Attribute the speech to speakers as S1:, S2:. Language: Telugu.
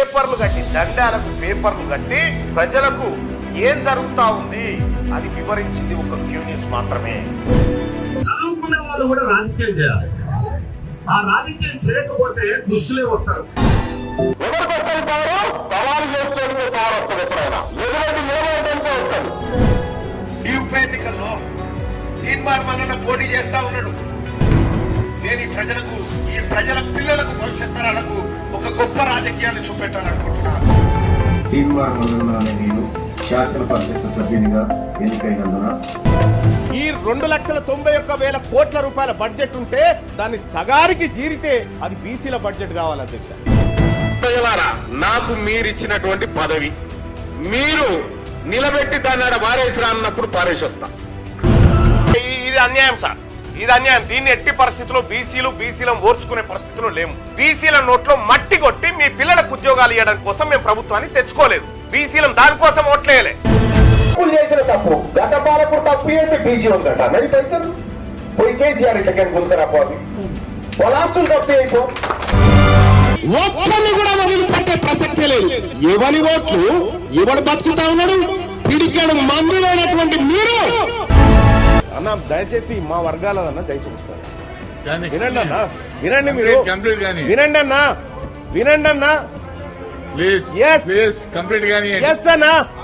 S1: పేపర్లు కట్టి దండాలకు పేపర్లు కట్టి ప్రజలకు ఏం జరుగుతా ఉంది అని వివరించింది ఒక క్యూ న్యూస్ మాత్రమే.
S2: చదువుకునే వాళ్ళు కూడా రాజకీయం చేయాలి. ఆ రాజకీయం చేయకపోతే దుస్తులే వస్తారు.
S1: ఎవరికి వస్తుంది పవరు? సవాలు చేసుకోవడానికి పవర్ వస్తుంది. ఎప్పుడైనా ఎటువంటి నిలబడటానికి వస్తుంది.
S3: ఈ ఉప ఎన్నికల్లో తీర్మానం పోటీ చేస్తా ఉన్నాడు. నేను ఈ ప్రజలకు, ఈ ప్రజల పిల్లలకు, భవిష్యత్ తరాలకు ఒక గొప్ప రాజకీయాన్ని చూపెట్టాలనుకుంటున్నాను.
S4: నేను శాసన పరిషత్ సభ్యునిగా ఎన్నికైనందున
S1: ఈ 2,91,000 కోట్ల రూపాయల బడ్జెట్ ఉంటే దాన్ని సగారికి జీరితే అది బీసీల బడ్జెట్ కావాలి అధ్యక్ష. ప్రజలారా, నాకు మీరిచ్చినటువంటి పదవి మీరు నిలబెట్టి దాన్ని వారేసి రాన్నప్పుడు పారేసి వస్తా. ఇది అన్యాయం సార్, ఇది అన్యాయం. దీన్ని ఎట్టి పరిస్థితుల్లో బీసీలను ఓర్చుకునే పరిస్థితిలో లేము. బీసీల నోట్లో మట్టి కొట్టి మీ పిల్లలకు ఉద్యోగాలు ఇవ్వడం కోసం మేము ప్రభుత్వాన్ని తెచ్చుకోలేదు. బీసీలం దానికోసం ఓట్లేయలే.
S5: చేసిన తప్పు గత పాలకుడు తప్పు చేస్తే బీసీ ఉందట అన్నది తెలుసు. పోయి కేసీఆర్ ఇట్లకేం గుంజుకరాపోవాలి వాళ్ళ ఆస్తులు తప్పు అయిపో.
S6: ఒక్కరిని కూడా వదిలిపెట్టే ప్రసక్తే లేదు. ఎవరి ఓట్లు ఎవడు బతుకుతా ఉన్నాడు. పిడికెడు మందులైనటువంటి మీరు
S1: అన్న దయచేసి మా వర్గాలదన్న దయచేసి వినండి అన్న, వినండి మీరు, వినండి అన్న, వినండి అన్న.
S7: ప్లీజ్ కంప్లీట్ గానీ
S1: ఎస్ అన్న.